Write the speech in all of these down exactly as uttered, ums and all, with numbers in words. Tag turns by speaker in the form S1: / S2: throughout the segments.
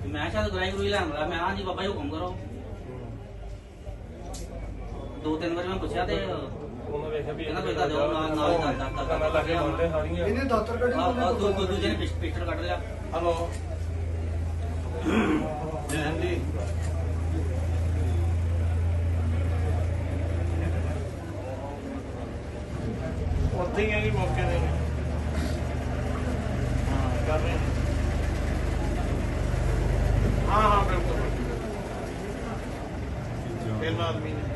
S1: मैं शायद गराई गुराई लैन वाला मैं हाँ जी बाबा जी हुक्म करो दो तीन बार मैं पूछा ते कहना पैसा दो ना ना
S2: ਇਹਨੇ ਦਾਤਰ ਕੱਢੀ
S1: दूजे ने पिस्टल कट लिया।
S3: हेलो जय जी ਉੱਥੇ ਹੀ ਆ ਜੀ ਮੌਕੇ ਤੇ ਹਾਂ ਕਰ ਰਹੇ ਹਾਂ ਹਾਂ ਬਿਲਕੁਲ ਪਹਿਲਾ ਆਦਮੀ ਨੇ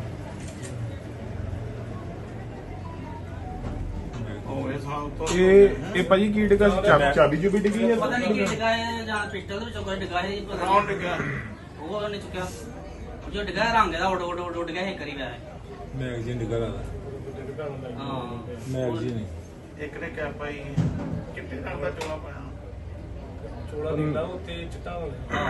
S3: ਉਹ ਇਹ ਸਾਲ ਤੋਂ
S4: ਇਹ ਇਹ ਭਾਜੀ ਕੀ ਡਿੱਗਾ ਚਾਬੀ ਚਾਬੀ ਜੋ ਵੀ ਡਿੱਗੀ ਹੈ
S1: पता नहीं कि डिगा है जहाँ पिस्टल में चौका डिगा है पता
S3: ਕੌਣ ਡਿੱਗਿਆ
S1: नहीं वो नहीं चुका जो डिगा है रंग है उड़ उड़ उड़ उड़ गया है करीब है
S4: ਮੈਗਜ਼ੀਨ ਡਿੱਗਾ ਦਾ
S1: हाँ
S4: ਮੈਗਜ਼ੀਨ
S3: ਇੱਕ ਨੇ ਕੈਪ ਪਾਈ ਕਿੱਥੇ ਰੰਗ ਦਾ ਚੋਲਾ ਪਾਇਆ
S5: ਚੋਲਾ ਨੀਲਾ ਉੱਤੇ ਚਿੱਟਾ ਵਾਲਾ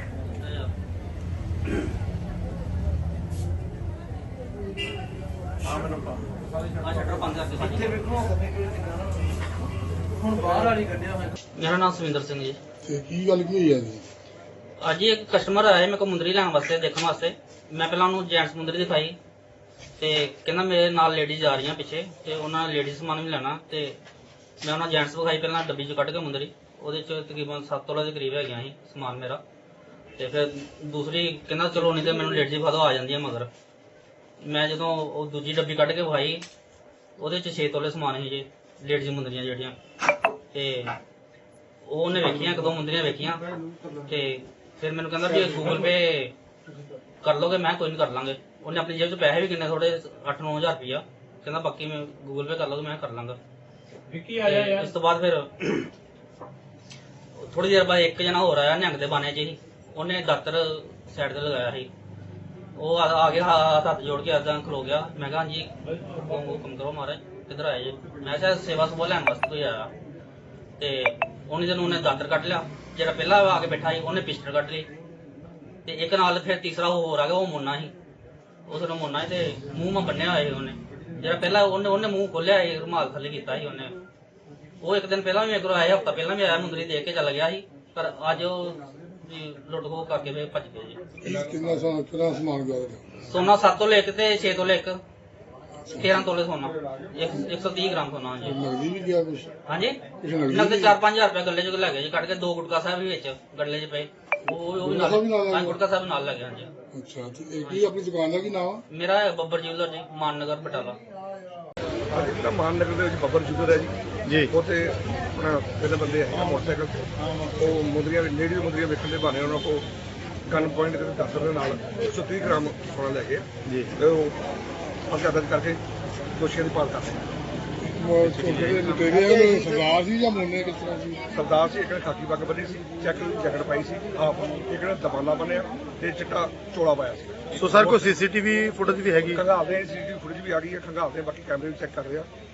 S3: ਆ ਮੈਨੂੰ ਪਾ
S1: हाँ शटर बंद करके
S3: ਇੱਥੇ ਵੇਖੋ ਹੁਣ ਬਾਹਰ ਵਾਲੀ ਕੱਢਿਆ ਹੋਇਆ
S1: मेरा नाम सुविंदर सिंह जी।
S4: ਤੇ ਕੀ ਗੱਲ ਕੀ ਹੋਈ ਆ ਜੀ
S1: ਅੱਜ ਹੀ ਇੱਕ ਕਸਟਮਰ ਆਇਆ ਮੇਰੇ ਕੋਲ ਮੁੰਦਰੀ ਲੈਣ ਵਾਸਤੇ ਦੇਖਣ ਵਾਸਤੇ। ਮੈਂ ਪਹਿਲਾਂ ਉਹਨੂੰ ਜੈਂਟਸ ਮੁੰਦਰੀ ਦਿਖਾਈ ਤੇ ਕਹਿੰਦਾ ਮੇਰੇ ਨਾਲ ਲੇਡੀਜ਼ ਆ ਰਹੀਆਂ ਪਿੱਛੇ ਤੇ ਉਹਨਾਂ ਲੇਡੀਜ਼ ਸਮਾਨ ਵੀ ਲੈਣਾ ਤੇ ਮੈਂ ਉਹਨਾਂ ਜੈਂਟਸ ਵਿਖਾਈ ਪਹਿਲਾਂ ਡੱਬੀ ਚੋਂ ਕੱਢ ਕੇ ਮੁੰਦਰੀ ਉਹਦੇ ਚ ਤਕਰੀਬਨ ਸੱਤ ਤੋਲੇ ਦੇ ਕਰੀਬ ਹੈਗੀਆਂ ਸੀ ਸਮਾਨ ਮੇਰਾ। ਤੇ ਫਿਰ ਦੂਸਰੀ ਕਹਿੰਦਾ ਚਲੋ ਨਹੀਂ ਤੇ ਮੈਨੂੰ ਲੇਡੀਜ਼ ਵਿਖਾ ਦਿਓ ਆ ਜਾਂਦੀਆਂ ਮਗਰ। ਮੈਂ ਜਦੋਂ ਉਹ ਦੂਜੀ ਡੱਬੀ ਕੱਢ ਕੇ ਵਿਖਾਈ ਉਹਦੇ ਚ ਛੇ ਤੋਲੇ ਸਮਾਨ ਸੀ ਜੀ ਲੇਡੀਜ਼ ਮੁੰਦਰੀਆਂ ਜਿਹੜੀਆਂ। ਤੇ ਉਹ ਉਹਨੇ ਵੇਖੀਆਂ ਇੱਕ ਦੋ ਮੁੰਦਰੀਆਂ ਵੇਖੀਆਂ ਤੇ ਫਿਰ ਮੈਨੂੰ ਕਹਿੰਦਾ ਵੀ ਗੂਗਲ ਪੇ ਕਰ ਲੋਗੇ। ਮੈਂ ਕੋਈ ਨਹੀਂ ਕਰ ਲਾਂਗੇ। ਉਹਨੇ ਆਪਣੀ ਜੇਬ 'ਚ ਪੈਸੇ ਵੀ ਕਿੰਨੇ ਥੋੜੇ ਅੱਠ ਨੌ ਹਜ਼ਾਰ ਰੁਪਇਆ ਕਹਿੰਦਾ ਬਾਕੀ ਮੈਂ ਗੂਗਲ ਪੇ ਕਰ ਲੋਗੇ ਮੈਂ ਕਰ ਲਾਂਗਾ।
S5: ਵਿੱਕੀ ਆਇਆ ਯਾਰ
S1: ਇਸ ਤੋਂ ਬਾਅਦ ਫਿਰ ਥੋੜੀ ਦੇਰ ਬਾਅਦ ਇੱਕ ਜਣਾ ਹੋਰ ਆਇਆ ਨਿਹੰਗ ਦੇ ਬਾਣੇ 'ਚ ਹੀ। ਉਹਨੇ ਦਾਤਰ ਸਾਈਡ ਤੇ ਲਗਾਇਆ ਸੀ। ਉਹ ਆ ਆ ਗਿਆ ਹੱਥ ਹੱਥ ਜੋੜ ਕੇ ਏਦਾਂ ਖਲੋ ਗਿਆ। ਮੈਂ ਕਿਹਾ ਹਾਂਜੀ ਹੁਕਮ ਕਰੋ ਮਹਾਰਾਜ ਕਿੱਧਰ ਆਏ ਜੀ। ਮੈਂ ਕਿਹਾ ਸੇਵਾ ਸੁਭਾ ਲੈਣ ਵਾਸਤੇ ਕੋਈ ਆਇਆ ਤੇ ਉਹਨੇ ਜਦੋਂ ਉਹਨੇ ਦਾਤਰ ਕੱਢ ਲਿਆ। ਜਿਹੜਾ ਪਹਿਲਾਂ ਆ ਕੇ ਬੈਠਾ ਸੀ ਉਹਨੇ ਪਿਸਟਲ ਕੱਢ ਲਈ ਤੇ ਇੱਕ ਨਾਲ ਫਿਰ ਤੀਸਰਾ ਹੋਰ ਆ ਗਿਆ ਉਹ ਮੁੰਨਾ ਸੀ। ਉਸ ਨੂੰ ਮੁੰਨਾ ਸੀ ਤੇ ਮੂੰਹ ਮਾ ਬੰਨਿਆ ਹੋਇਆ ਸੀ ਉਹਨੇ। ਜਿਹੜਾ ਪਹਿਲਾਂ ਉਹਨੇ ਉਹਨੇ ਮੂੰਹ ਖੋਲਿਆ ਸੀ ਰੁਮਾਲ ਥੱਲੇ ਕੀਤਾ ਸੀ ਉਹਨੇ। ਉਹ ਇੱਕ ਦਿਨ ਪਹਿਲਾਂ ਵੀ ਮੇਰੇ ਕੋਲ ਆਇਆ ਹਫ਼ਤਾ ਪਹਿਲਾਂ ਵੀ ਆਇਆ ਮੁੰਦਰੀ ਦੇ ਕੇ ਚੱਲ ਗਿਆ ਸੀ ਪਰ ਅੱਜ ਉਹ ਲੁੱਟ ਖੋਹ ਕਰਕੇ ਫਿਰ ਭੱਜ ਗਏ ਜੀ।
S4: ਕਿੰਨਾ ਸੋਨਾ ਕਿੰਨਾ ਸਮਾਨ ਗਿਆ
S1: ਸੋਨਾ ਸੱਤ ਤੋਲੇ ਇੱਕ ਤੇ ਛੇ ਤੋਲੇ ਇੱਕ ਤੇਰਾਂ ਤੋਲੇ ਸੋਨਾ ਇੱਕ ਸੌ ਤੀਹ ਗ੍ਰਾਮ ਸੋਨਾ ਹਾਂਜੀ।
S4: ਨਗਦੀ ਵੀ ਗਿਆ ਕੁਛ
S1: ਹਾਂਜੀ
S4: ਕੁਛ ਨਗਦੀ
S1: ਨਗਦ ਚਾਰ ਪੰਜ ਹਜ਼ਾਰ ਰੁਪਏ ਗੱਲੇ ਚ ਲੈ ਗਏ ਜੀ ਕੱਢ ਕੇ। ਦੋ ਗੁਟਕਾ ਸਾਹਿਬ ਵੀ ਵਿੱਚ ਗੱਲੇ ਚ ਪਏ ਉਹ ਉਹ ਵੀ ਨਾਲ ਹਾਂ ਗੁਟਕਾ ਸਾਹਿਬ ਨਾਲ ਲੈ ਗਏ ਹਾਂਜੀ।
S4: ਅੱਛਾ ਤੇ ਇਹ ਕੀ ਆਪਣੀ ਦੁਕਾਨ ਦਾ ਕੀ ਨਾਮ ਆ
S1: ਮੇਰਾ ਹੈ ਬੱਬਰ ਜਿਊਲਰ ਜੀ ਮਾਨਨਗਰ ਬਟਾਲਾ।
S6: ਅੱਜ ਜਿਹੜਾ ਮਾਨਨਗਰ ਦੇ ਵਿੱਚ ਬੱਬਰ ਜੁਗਰ ਹੈ ਜੀ ਜੀ ਉੱਥੇ ਆਪਣਾ ਪਹਿਲੇ ਬੰਦੇ ਹੈ ਮੋਟਰਸਾਈਕਲ ਤੇ ਉਹ ਮੁੰਦਰੀਆਂ ਲੇਡੀਜ਼ ਮੁੰਦਰੀਆਂ ਵੇਖਣ ਦੇ ਬਹਾਨੇ ਉਹਨਾਂ ਕੋਲ ਗਨ ਪੁਆਇੰਟ ਦੇ ਦਾਤਰ ਦੇ ਨਾਲ ਇੱਕ ਸੌ ਤੀਹ ਗ੍ਰਾਮ ਸੋਨਾ ਲੈ ਗਏ ਜੀ ਤੇ ਉਹ ਪਰਚਾ ਦਰਜ ਕਰਕੇ ਦੋਸ਼ੀਆਂ ਦੀ ਭਾਲ ਕਰਦੇ
S4: ਜਿਹੜੇ ਲੁਟੇਰੇ ਆ ਉਹ ਸਰਦਾਰ ਸੀ ਜਾਂ ਮੁੰਨੇ ਕਿਸ ਤਰ੍ਹਾਂ ਸੀ
S6: ਸਰਦਾਰ ਸੀ ਇੱਕ ਨੇ ਖਾਕੀ ਪੱਗ ਬੰਨੀ ਸੀ ਚੈੱਕ ਜੈਕਟ ਪਾਈ ਸੀ ਆਪ ਇੱਕ ਨੇ ਦਬਾਲਾ ਬੰਨਿਆ ਤੇ ਚਿੱਟਾ ਚੋਲਾ ਪਾਇਆ ਸੀ।
S4: ਸੋ ਸਰ ਕੋਈ ਸੀਸੀਟੀਵੀ ਫੁਟੇਜ ਵੀ ਹੈਗੀ
S6: ਖੰਗਾਲਦੇ ਸੀਸੀਟੀਵੀ ਫੁਟੇਜ ਵੀ ਆ ਗਈ ਹੈ ਖੰਗਾਲਦੇ ਬਾਕੀ ਕੈਮਰੇ ਵੀ ਚੈੱਕ ਕਰ ਰਹੇ ਆ।